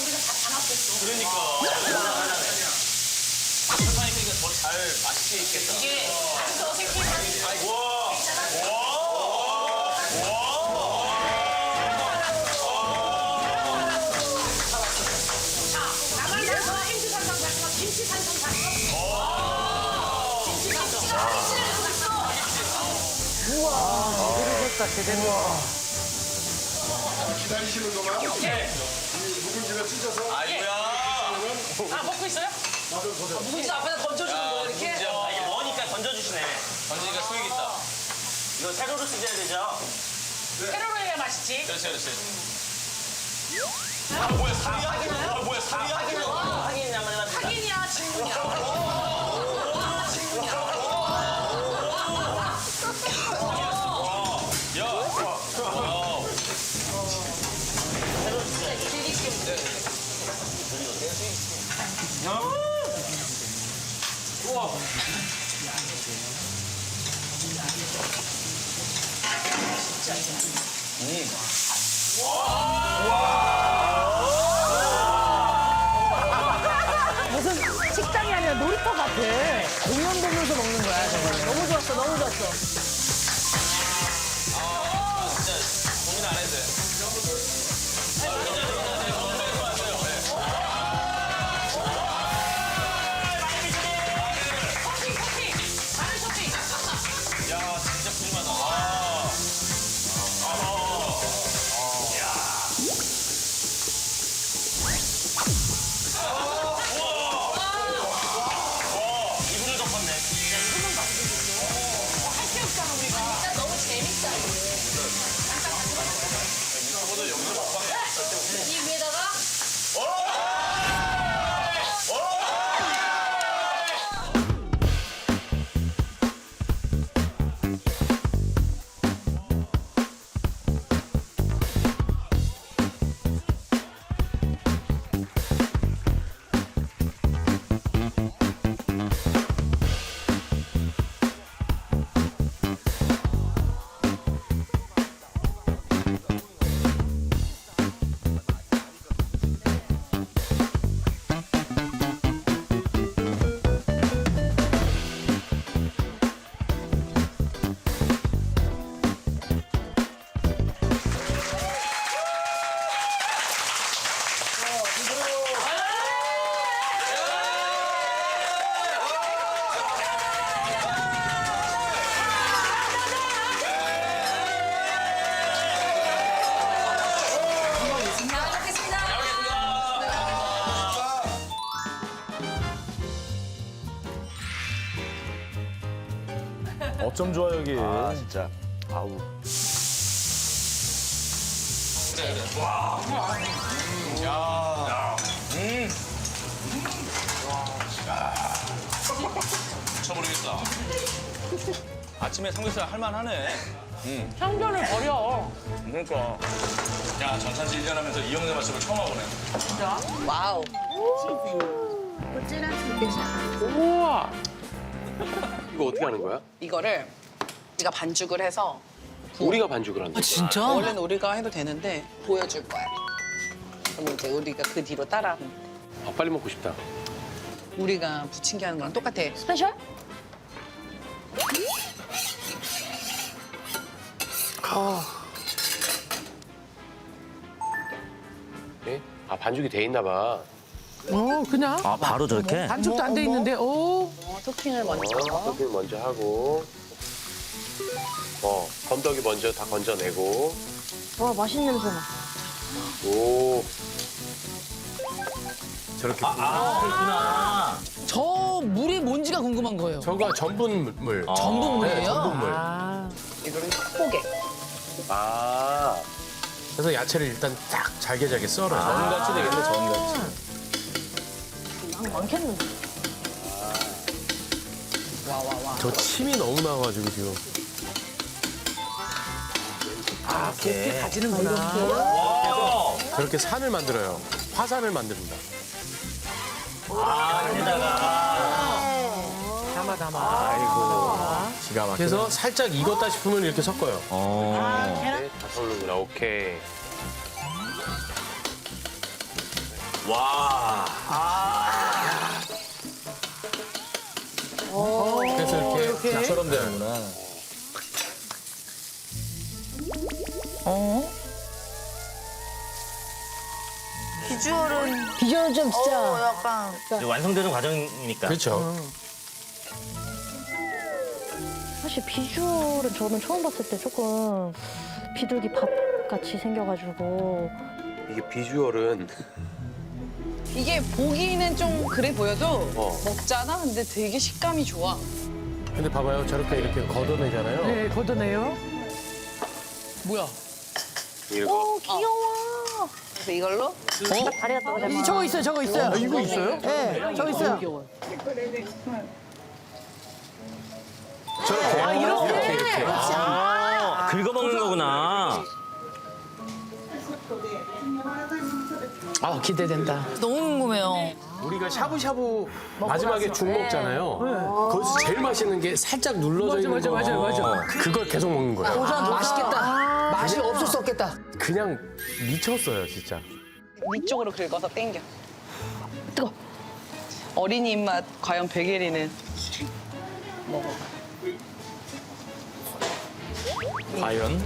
우리가 다 담았겠어. 그러니까. 설탕이 그러니까 더 잘 맛있게 익겠다. 이게 안서 생긴 와. 나만에서 행주 산성 샀어. 김치 산성 샀어. 김치 산성. 김치를 샀어. 그러니까 제대로. 기다리시는 동안 묵은지를 찢어서 아이고야. 아 먹고 있어요? 묵은지 앞에다 던져주는 거 이렇게? 아, 이게 머니까 던져주시네. 던지니까 수익 있다. 이거 세로로 쓰셔야 되죠? 세로로 해야 맛있지. 그렇지, 그렇지. 아, 뭐야, 살이야? 아, 뭐야, 살이야? 확인이냐 한번 해봐. 확인이야, 질문이야. 무슨 식당이 아니라 놀이터 같아. 공연 보면서 먹는 거야, 저거는. 너무 좋았어, 너무 좋았어. 진짜 고민 안 해도 돼. 쇼핑! 마늘 쇼핑! 야, 진짜 푸짐하다. 이불을 덮었네. 할게 없잖아, 우리가. 진짜 너무 재밌다, 저보다 여기서 먹방해. 이 위에다가 어쩜 좋아 여기. 아, 진짜. 아우. 미쳐버리겠다. 아침에 삼겹살 할만하네. 편견을 버려. 그러니까. 야, 전산지 1년 하면서 이 형네 맛집을 처음 와보네. 와우. 우와. 이거 어떻게 하는 거야? 이거를 우리가 반죽을 해서 우리가 반죽을 한다. 진짜? 원래는 우리가 해도 되는데 보여줄 거야. 그럼 이제 우리가 그 뒤로 따라. 아, 빨리 먹고 싶다. 우리가 부침개 하는 거랑 똑같아. 스페셜? 네? 아, 반죽이 돼 있나 봐. 그냥. 아, 바로 저렇게? 반죽도 안 돼 있는데, 오. 토핑을 먼저. 토핑 먼저 하고. 건더기 먼저 다 건져내고. 와, 맛있는 냄새 나. 오. 저렇게. 그렇구나. 저 물이 뭔지가 궁금한 거예요. 저거 전분물. 전분물이에요? 네, 전분물. 이거는 컵보게. 아. 그래서 야채를 일단 딱 잘게 썰어요. 전같이 되겠네, 전같이. 많겠는데. 와. 저 침이 너무 나와가지고 지금. 곱게 다지는구나. 저렇게 산을 만들어요. 화산을 만듭니다. 담아. 아이고. 기가 막혀. 그래서 살짝 익었다 싶으면 이렇게 섞어요. 네, 다 섞는구나. 오케이. 그래서 이렇게 약처럼 되는구나. 비주얼은 좀 진짜. 약간 이제 완성되는 과정이니까. 그렇죠. 사실 비주얼은 저는 처음 봤을 때 조금 비둘기 밥 같이 생겨가지고 이게 비주얼은 이게 보기는 좀 그래 보여도 어. 먹잖아. 근데 되게 식감이 좋아. 근데 봐봐요. 저렇게 이렇게 걷어내잖아요. 네, 걷어내요. 뭐야? 이거 귀여워. 그래서 이걸로 다리가 떨어져. 저거 있어요, 저거 있어요. 이거 있어요? 네, 저거 있어요. 저렇게. 이렇게. 아, 긁어먹는 거구나. 아, 기대된다. 너무 궁금해요. 우리가 샤브샤브 마지막에 죽 먹잖아요. 거기서 제일 맛있는 게 살짝 눌러져 있는 거. 맞아. 그걸 계속 먹는 거예요. 맛있겠다. 맛이 없을 수 없겠다. 그냥 미쳤어요, 진짜. 위쪽으로 긁어서 당겨. 뜨거. 어린이 입맛 과연 백예리는 먹어봐. 과연?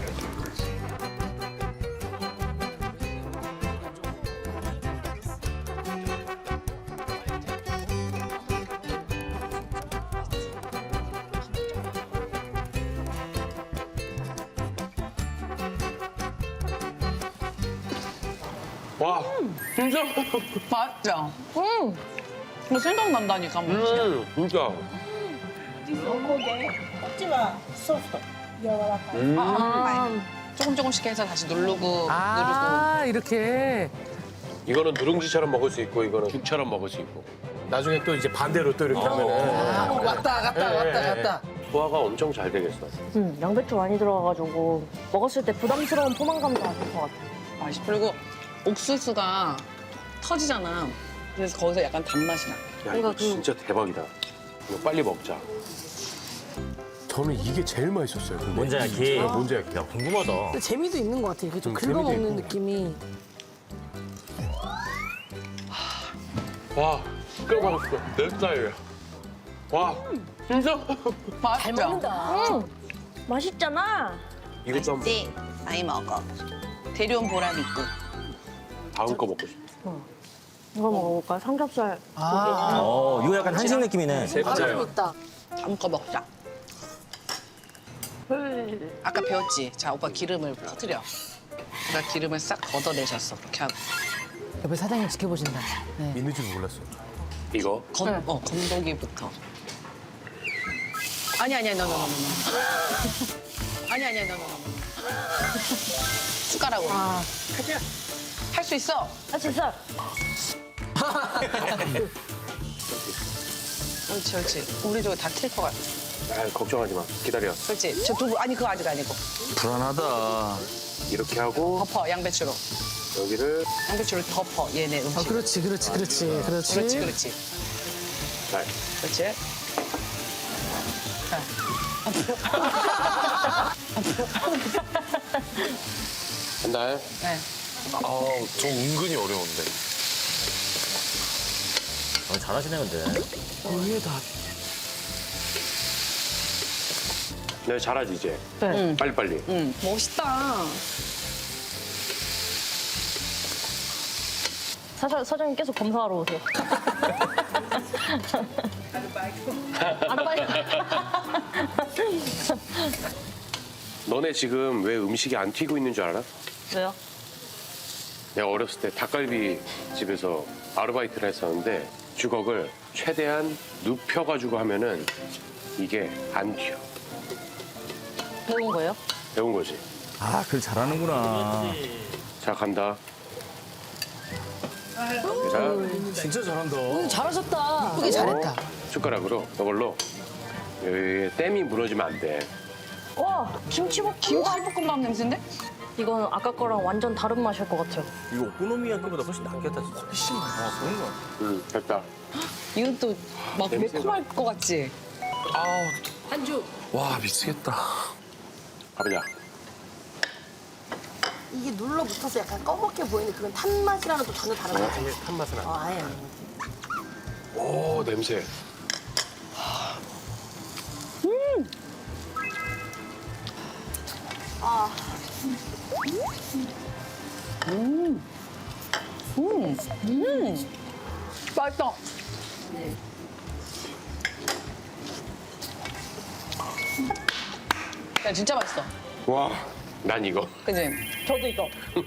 와, 진짜? 맞죠? 이거 생각난다니까. 진짜. 조금 조금씩 해서 다시 누르고 아, 이렇게. 이거는 누룽지처럼 먹을 수 있고 이거는 죽처럼 먹을 수 있고. 나중에 또 이제 반대로 또 이렇게 하면은. 왔다 갔다, 왔다 갔다. 소화가 엄청 잘 되겠어. 양배추 많이 들어가가지고 먹었을 때 부담스러운 포만감도 안 들 것 같아. 맛있어. 그리고 옥수수가 터지잖아. 그래서 거기서 약간 단맛이 나. 야, 이거 진짜 대박이다. 이거 빨리 먹자. 저는 이게 제일 맛있었어요. 근데. 뭔지 알기. 뭔지 알기. 야, 궁금하다. 근데 재미도 있는 것 같아. 이렇게 좀 재미도 긁어먹는 있고. 느낌이. 와, 진짜 맛있어. 내 스타일이야. 와, 진짜? 잘 맛있죠? 먹는다. 맛있잖아. 이것도 한번 맛있지? 많이 먹어. 데려온 보람 있고. 다음 거 먹고 싶어. 이거 먹어볼까? 삼겹살. 이거 약간 한식 느낌이네. 맞아요. 있다. 다음 거 먹자. 아까 배웠지? 자, 오빠 기름을 퍼뜨려. 오빠 기름을 싹 걷어내셨어. 이렇게 하고. 옆에 사장님 지켜보신다. 네. 있는 줄 몰랐어. 이거? 건더기부터. 아니, no. 아니, no. 숟가락으로. 할 수 있어. 아 진짜. 옳지. 우리 저거 다 튈 것 같아. 아, 걱정하지 마. 기다려. 그렇지. 저 두부, 아니, 그거 아직 아니고. 불안하다. 이렇게 하고 덮어, 양배추로. 여기를 양배추를 덮어, 얘네 음식. 그렇지. 그렇지. 날. 그렇지. 한 달. 네. 좀 은근히 어려운데. 잘하시네, 근데. 네, 잘하지 이제. 응. 빨리빨리. 응. 멋있다. 사장님 계속 검사하러 오세요. 아르바이트. 너네 지금 왜 음식이 안 튀고 있는 줄 알아? 왜요? 내가 어렸을 때 닭갈비 집에서 아르바이트를 했었는데 주걱을 최대한 눕혀가지고 하면은 이게 안 튀어. 배운 거예요? 배운 거지. 아, 그걸 잘하는구나. 자, 간다. 자, 진짜 잘한다. 잘하셨다. 예쁘게 잘했다. 숟가락으로 이걸로 여기 댐이 무너지면 안 돼. 와 김치볶음밥 냄새인데? 이건 아까 거랑 완전 다른 맛일 것 같아요. 이거 오코노미야끼보다 훨씬 낫겠다, 진짜. 훨씬 그런 거. 됐다. 이건 또 막 냄새가. 매콤할 것 같지? 한주. 와, 미치겠다. 가보자. 이게 눌러붙어서 약간 검게 보이는데 그건 탄 맛이랑은 또 전혀 다른 거지. 아예 탄 맛은 안 나. 아예. 오 냄새. 맛있다. 야, 진짜 맛있어. 와, 난 이거. 그지? 저도 이거.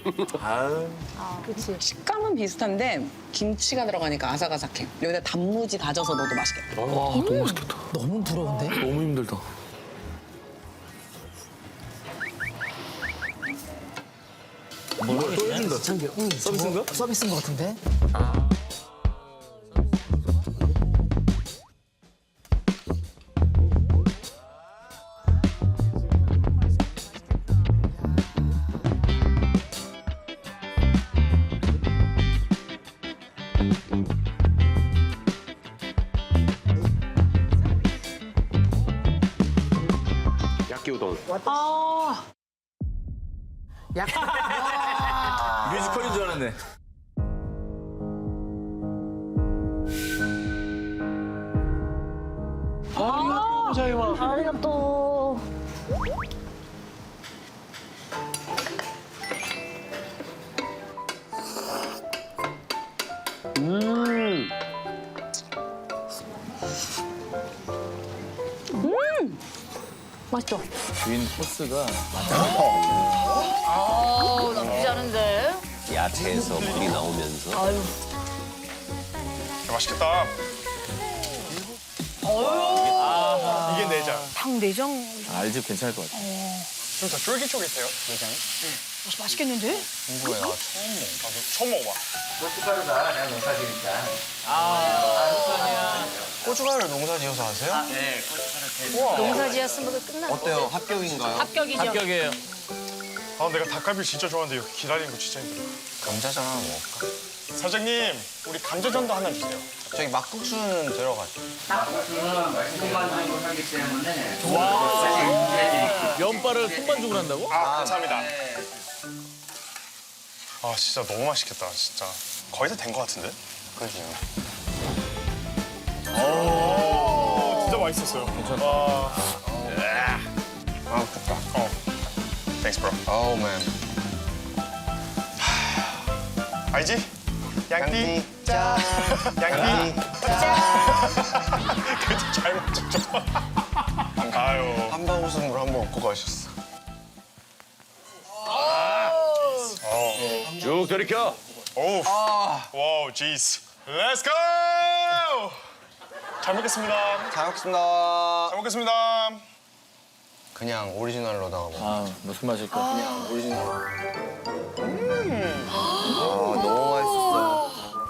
그치. 식감은 비슷한데 김치가 들어가니까 아삭아삭해. 여기다 단무지 다져서 넣어도 맛있겠다. 와 너무 맛있겠다. 너무 부러운데? 너무 힘들다. 뭐야 또 해준다. 서비스인가? 서비스인 것 같은데? 야끼우동. 뮤지컬인 줄 알았네. 아리가또. 맛있죠? 주인 코스가 나쁘지 않은데? 야채에서 물이 나오면서 맛있겠다. 이게 내장. 닭내장 알지 괜찮을 것 같아. 좀 더 쫄깃쫄깃해요, 내장이. 맛있겠는데? 궁금해, 나 처음 먹어봐. 고춧가루가 내가 농사지니까. 고춧가루를 농사 지어서 하세요? 네, 고춧가루 농사 지었으면 끝나. 어때요? 합격인가요? 합격이죠. 합격이에요. 아, 내가 닭갈비 진짜 좋아하는데 이거 기다리는 거 진짜 힘들어. 감자전 하나 먹을까? 사장님, 우리 감자전도 하나 주세요. 저기 막국수는 들어가죠. 고추는 맛있는 하기 때문에 면발을 손반죽을 한다고? 아, 감사합니다. 아, 진짜 너무 맛있겠다, 진짜. 거의 다 된 거 같은데? 그죠. 오, 진짜 맛있었어요. 괜찮다. 아, 좋다. Thanks, bro. 어우, 맨. 알지? 양띠. 짜. 양띠. 그래도 잘 맞췄죠? 아유. 한방 웃음으로 한번 웃고 가셨어. 쭉 돌이켜. 오우. 와우, jeez. Let's go! 잘 먹겠습니다. 잘 먹겠습니다. 잘 먹겠습니다. 그냥 오리지널로다가 먹어. 아 무슨 맛일까? 그냥 오리지널. 너무 맛있었어.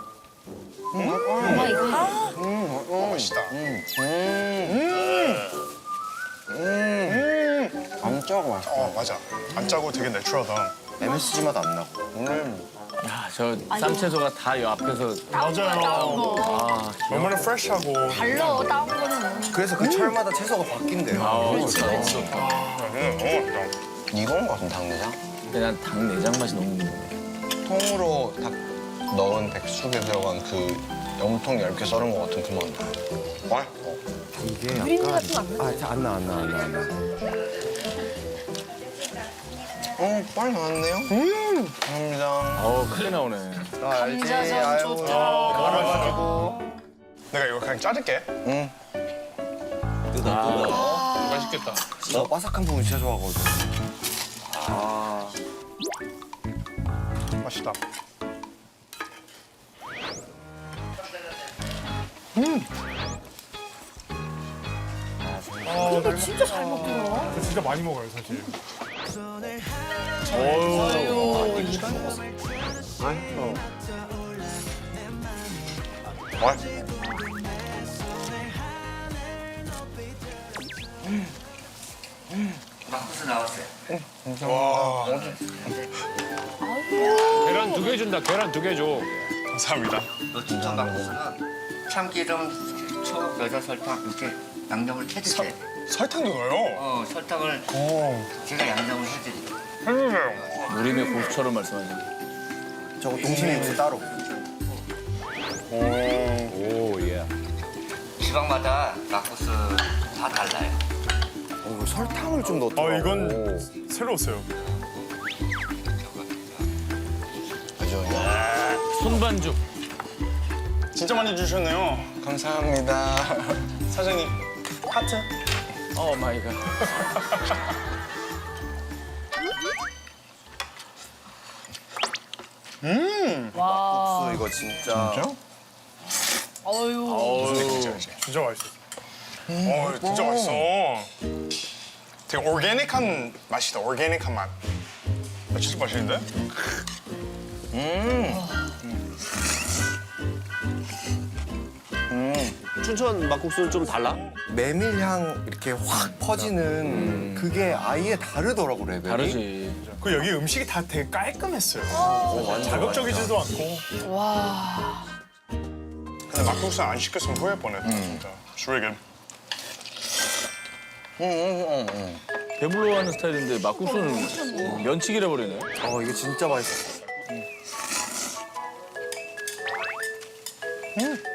엄마 이거 맛있다. 안 짜고 맛있다. 맞아. 안 짜고 되게 내추럴하다. MSG 맛 안 나고. 오늘 야저 쌈채소가 다 이 앞에서 맞아요. 아 너무나 프레시하고. 달러 다운 거는 그래서 그 철마다 채소가 바뀐대요. 그렇지. 너무 맛있다. 이건 거 같은 닭내장? 근데 난 닭 내장 맛이 너무 통으로 닭 넣은 백숙에 들어간 그 염통 얇게 썰은 거 같은 그 맛. 와? 이게 유린내 같은 거 안 나? 안 나. 빨리 나왔네요? 감사합니다. 크게 나오네. 감자전 좋다. 말아가지고. 내가 이거 그냥 자를게. 응. 맛있겠다. 나 바삭한 부분 진짜 좋아하거든. 맛있다. 근데 진짜 잘 먹더라. 진짜 많이 먹어요, 사실. 와. 막국수 나왔어요. 와. 계란 2개 준다. 계란 2개 줘. 감사합니다. 노춘천 막국수는 참기름, 초, 여자 설탕 이렇게 양념을 해주세요. 설탕도 넣어요. 설탕을 오. 제가 양념을 해드리고 해주세요. 우림의 고수처럼 말씀하시네. 저거 동심이 무슨 따로. 오, 예. 지방마다 막국수 다 달라요. 설탕을 좀 넣었더라고. 이건 새로웠어요. 손반죽. 진짜 많이 주셨네요. 감사합니다. 사장님, 하트. 오 마이 갓. 막국수 이거 진짜. 진짜 맛있어. 진짜 맛있어. 되게 오르게닉한 맛이다. 오르게닉한 맛. 진짜 맛있는데? 춘천 막국수는 좀 달라? 메밀향 이렇게 확 퍼지는 그게 아예 다르더라고 레벨이. 다르지. 그 여기 음식이 다 되게 깔끔했어요. 자극적이지도 않고. 와. 근데 막국수 안 시켰으면 후회할 뻔했다. 진짜. It's really good. 배불러하는 스타일인데 막국수는 면치기라 버리네. 이거 진짜 맛있어.